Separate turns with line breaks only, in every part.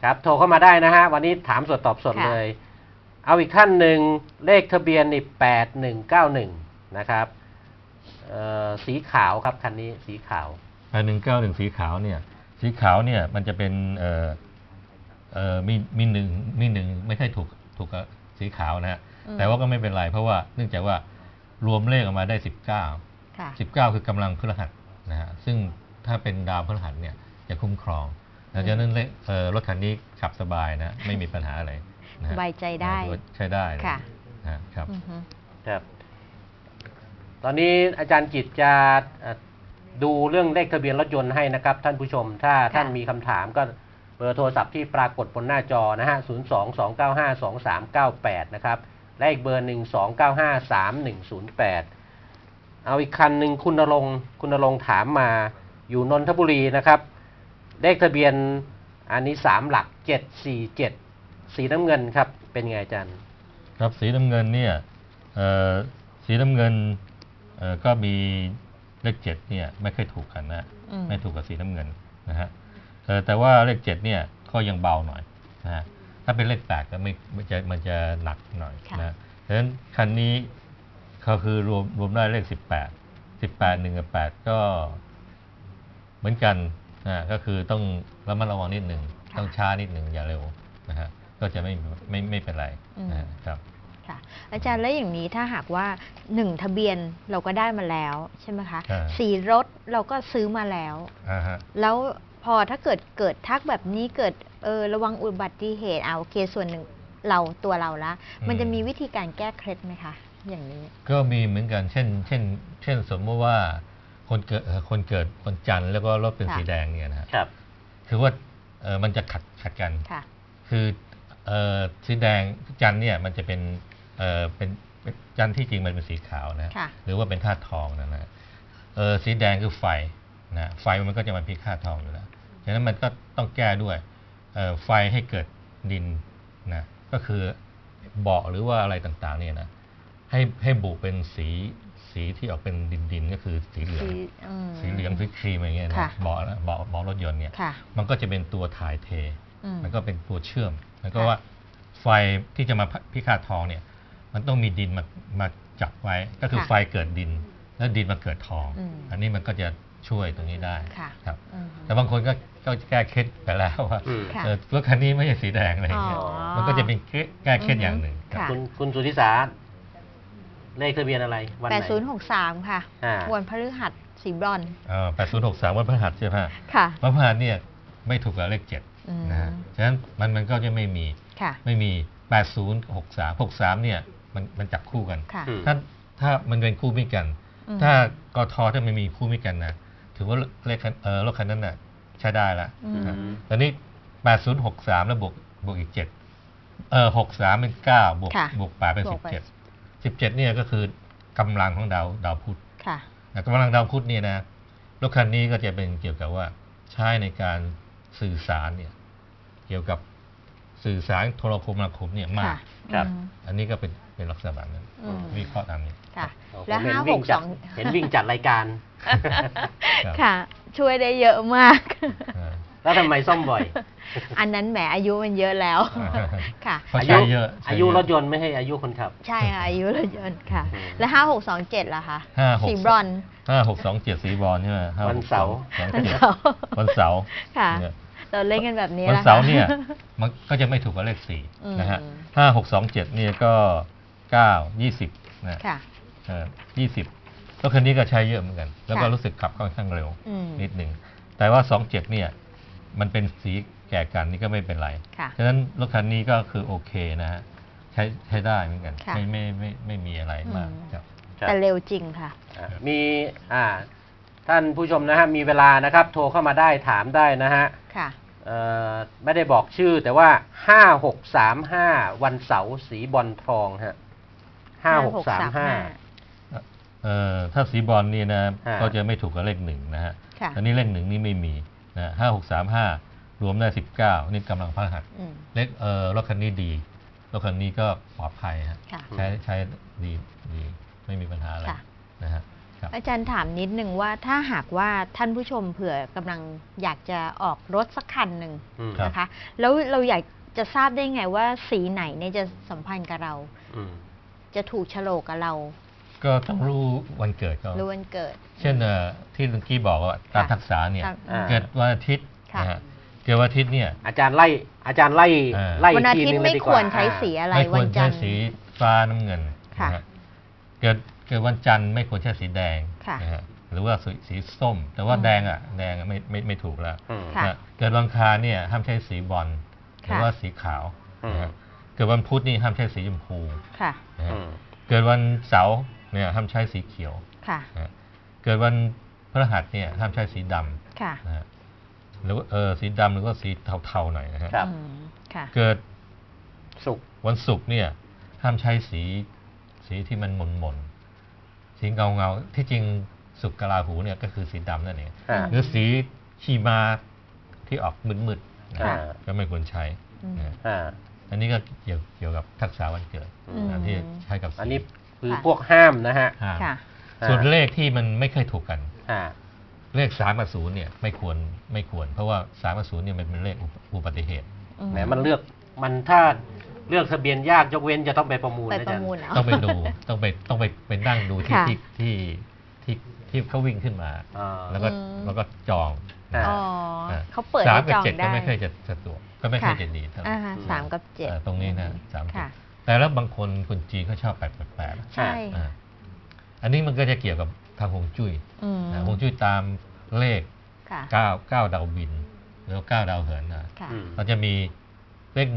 ครับโทรเข้ามาได้นะฮะวันนี้ถามสดตอบสดเลยเอาอีกท่านหนึ่งเลขทะเบียนนี่8191นะครับสีขาวครับคันนี้สีขาว
8191สีขาวเนี่ยมันจะเป็นมีหนึ่งไม่ใช่ถูกกับสีขาวนะฮะแต่ว่าก็ไม่เป็นไรเพราะว่าเนื่องจากว่ารวมเลขออกมาได้19คือกำลังพฤหัสนะฮะซึ่งถ้าเป็นดาวพฤหัสเนี่ยจะคุ้มครองดังนั้นรถคันนี้ขับสบายนะไม่มีปัญหาอะไร
สบายใจได้
ใช้ได้
ค่ะ
ครับ
ครับตอนนี้อาจารย์จิตจะดูเรื่องเลขทะเบียนรถยนต์ให้นะครับท่านผู้ชมถ้าท่านมีคำถามก็เบอร์โทรศัพท์ที่ปรากฏบนหน้าจอนะฮะ022952398นะครับและอีกเบอร์12953108เอาอีกคันหนึ่งคุณณรงค์ถามมาอยู่นนทบุรีนะครับเลขทะเบียนอันนี้3หลัก747สีน้ำเงินครับเป็นไงอาจารย์
ครับสีน้ำเงินเนี่ยสีน้ำเงินก็มีเลข7เนี่ยไม่ค่อยถูกกันนะไม่ถูกกับสีน้ำเงินนะฮะแต่ว่าเลข7เนี่ยก็ยังเบาหน่อยนะฮะถ้าเป็นเลข8ก็มันจะหนักหน่อยนะดังนั้นคันนี้เขาคือรวมได้เลข18 1กับ8ก็เหมือนกันนะก็คือต้องระมัดระวังนิดหนึ่งต้องช้านิดหนึ่งอย่าเร็วนะฮะก็จะไม่เป็นไรนะครับ
ค่ะอาจารย์แล้วอย่างนี้ถ้าหากว่า1ทะเบียนเราก็ได้มาแล้วใช่ไหมคะสีรถเราก็ซื้อมาแล้วแล้วพอถ้าเกิดทักแบบนี้เกิดระวังอุบัติเหตุโอเคส่วนหนึ่งตัวเราละมันจะมีวิธีการแก้เคล็ดไหมคะอย่างนี้
ก็มีเหมือนกันเช่นสมมติว่าคนเกิดวันจันทร์แล้วก็รถเป็นสีแดงเนี่ยนะครับคือว่ามันจะขัดกันคือสีแดงจันทร์เนี่ยมันจะเป็นจันทร์ที่จริงมันเป็นสีขาวนะหรือว่าเป็นธาตุทองนะสีแดงคือไฟนะไฟมันก็จะมาพิฆาตทองอยู่แล้วฉะนั้นมันก็ต้องแก้ด้วยไฟให้เกิดดินนะก็คือเบาะหรือว่าอะไรต่างๆเนี่ยนะให้บุเป็นสีที่ออกเป็นดินก็คือสีเหลืองสีครีมอะไรเงี้ยนะเบาะรถยนต์เนี่ยมันก็จะเป็นตัวถ่ายเทมันก็เป็นตัวเชื่อมแล้วก็ว่าไฟที่จะมาพิฆาตทองเนี่ยมันต้องมีดินมาจับไว้ก็คือไฟเกิดดินแล้วดินมาเกิดทองอันนี้มันก็จะช่วยตรงนี้ได้ครับแต่บางคนก็แก้เคล็ดไปแล้วว่ารถคันนี้ไม่ใช่สีแดงอะไรเงี้ยมันก็จะเป็นแก้เคล็ดอย่างหนึ่ง
คุณสุทธิสาเลขทะเบียนอะไรวันไหน
8063ค่ะวันพฤหัสสีบรอน
8063วันพฤหัสใช่ไหม
ค่ะ
วันพฤหัสเนี่ยไม่ถูกกับเลข7นะฮะฉะนั้นมันก็จะไม่มี8063เนี่ยมันจับคู่กันถ้ามันเป็นคู่มิตรกันถ้ากทถ้ามันมีคู่มิตรกันนะถือว่าเลขรถคันนั้นน่ะใช้ได้แล้วตอนนี้8063แล้วบวกอีก7 63เป็น9บวก8เป็น17เนี่ยก็คือกำลังของดาวพุธกำลังดาวพุธเนี่ยนะรถคันนี้ก็จะเป็นเกี่ยวกับว่าใช้ในการสื่อสารเนี่ยเกี่ยวกับสื่อสารโทรคมนาคมเนี่ยมากอันนี้ก็เป็นลักษณะแบบนั้นวิเคราะห์ตามนี้
และ
562เห็นวิ่งจัดรายการ
ค่ะช่วยได้เยอะมาก
แล้วทำไมซ่อมบ่อย
อันนั้นแหมอายุมันเยอะแล้วค่ะ
อา
ยุรถยนต์ไม่ให้อายุคนขับ
ใช่ค่ะอายุรถยนต์ค่ะแล้ว5627ล่ะคะสีบรอน
5627สีบรอนใช่ไหม
วันเสาร์
ค่ะเราเล่นกันแบบนี้
วันเสาร์เนี่ยมันก็จะไม่ถูกกับเลข4นะฮะ5627เนี่ยก็9 20นะ20แล้วคันนี้ก็ใช้เยอะเหมือนกันแล้วก็รู้สึกขับค่อนข้างเร็วนิดหนึ่งแต่ว่า27เนี่ยมันเป็นสีแก่กันนี่ก็ไม่เป็นไรฉะนั้นรถคันนี้ก็คือโอเคนะฮะใช้ได้เหมือนกันไม่มีอะไรมาก
แต่เร็วจริงค่ะ
มีท่านผู้ชมนะฮะมีเวลานะครับโทรเข้ามาได้ถามได้นะฮะไม่ได้บอกชื่อแต่ว่า5635วันเสาร์สีบอลทองฮะ5635
ถ้าสีบอลนี่นะก็จะไม่ถูกกับเลข1นะฮะอันนี้เลข1นี่ไม่มีนะ5635รวมได้19นี่กำลังพฤหัสเลขรถคันนี้ดีรถคันนี้ก็ปลอดภัยฮะใช้ดีไม่มีปัญหาอะไรนะฮะ
อาจารย์ถามนิดนึงว่าถ้าหากว่าท่านผู้ชมเผื่อกำลังอยากจะออกรถสักคันหนึ่งนะคะแล้วเราอยากจะทราบได้ไงว่าสีไหนเนี่ยจะสัมพันธ์กับเราจะถูกโฉลกกับเรา
ก็ต้องรู้วันเกิดก็
รู้วันเกิด
เช่นที่ลุงกี้บอกว่าตามทักษะเนี่ยเกิดวันอาทิตย์นะฮะเกิดวันอาทิตย์เนี่ย
อาจารย์ไล่
วันอาทิตย์ไม่ควรใช้สีอะไร
ไม่ควรใช้สีฟ้าน้ำเงินเกิดวันจันทร์ไม่ควรใช้สีแดงนะฮะหรือว่าสีส้มแต่ว่าแดงไม่ถูกแล้วเกิดวันอังคารเนี่ยห้ามใช้สีบอลหรือว่าสีขาวเกิดวันพุธนี่ห้ามใช้สีชมพูเกิดวันเสาร์เนี่ยห้ามใช้สีเขียวเกิดวันพฤหัสเนี่ยห้ามใช้สีดำนะหรือสีดำหรือว่าสีเทาๆหน่อยนะฮะเกิดวันศุกร์เนี่ยห้ามใช้สีที่มันหม่นสีเงาที่จริงศุกร์กลาหูเนี่ยก็คือสีดำนั่นเองหรือสีชีมาที่ออกมืดๆก็ไม่ควรใช้อันนี้ก็เกี่ยวกับทักษะวันเกิดที่ใช้กับ
อันนี้คือพวกห้ามนะฮะ
ส่วนเลขที่มันไม่เคยถูกกันเลข3 กับ 0เนี่ยไม่ควรเพราะว่า3 กับ 0เนี่ยมันเป็นเลขอุบัติเหตุ
แหมมันถ้าเลือกทะเบียนยากยกเว้นจะต้องไปประมูลนะจ๊ะ
ต้องไปดูต้องไปนั่งดูที่เขาวิ่งขึ้นมาแล้วก็จอง
เขาเปิด
3 กับ 7ก็ไม่เคยจะสะดวกก็ไม่เคยจะดีเท่าไหร่
3 กับ 7
ตรงนี้นะ3แต่แล้วบางคนจีนเขาชอบ888
ใช่
อันนี้มันก็จะเกี่ยวกับทางฮวงจุ้ยฮวงจุ้ยตามเลข9ดาวบินหรือ9ดาวเหินนะเราจะมีเลข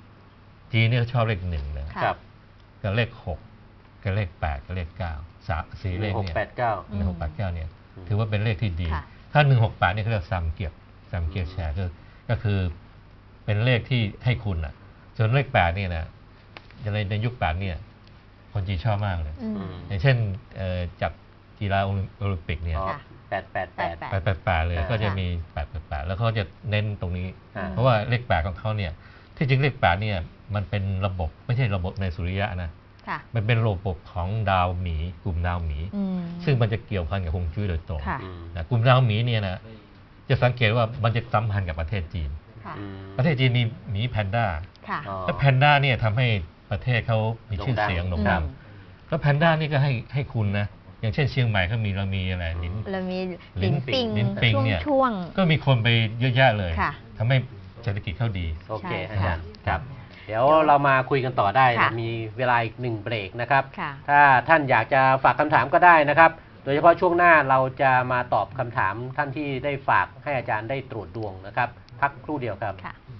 1จีนเนี่ยชอบเลข1เลยกับเลข6กับเลข8กับเลข9 4เลขเนี่ย1689เนี่ยถือว่าเป็นเลขที่ดีถ้า168เนี่ยเขาเรียกซัมเกียร์แชร์ก็คือเป็นเลขที่ให้คุณอ่ะส่วนเลข8เนี่ยนะในยุค8เนี่ยคนจีนชอบมากเลยอย่างเช่นจับกีฬาโอลิมปิกเนี่ย888เลยก็จะมี888แล้วเขาจะเน้นตรงนี้เพราะว่าเลข8ของเขาเนี่ยที่จริงเลข8เนี่ยมันเป็นระบบไม่ใช่ระบบในสุริยะนะมันเป็นระบบของดาวหมีกลุ่มดาวหมีซึ่งมันจะเกี่ยวพันกับฮวงจุ้ยโดยตรงกลุ่มดาวหมีเนี่ยนะจะสังเกตว่ามันจะสัมพันธ์กับประเทศจีนประเทศจีนมีหมีแพนด้าและแพนด้าเนี่ยทำให้ประเทศเขามีชื่อเสียงโด่งดังแล้วแพนด้านี่ก็ให้คุณนะอย่างเช่นเชียงใหม่เขามีเรามีอะไร
ลิ้นปิง
เนี่ยก็มีคนไปเยอะแยะเลยทำให้เศรษฐกิจเขาดี
โอเคอาจารย์ครับเดี๋ยวเรามาคุยกันต่อได้มีเวลาอีก1เบรกนะครับถ้าท่านอยากจะฝากคำถามก็ได้นะครับโดยเฉพาะช่วงหน้าเราจะมาตอบคำถามท่านที่ได้ฝากให้อาจารย์ได้ตรวจดวงนะครับพักครู่เดียวครับ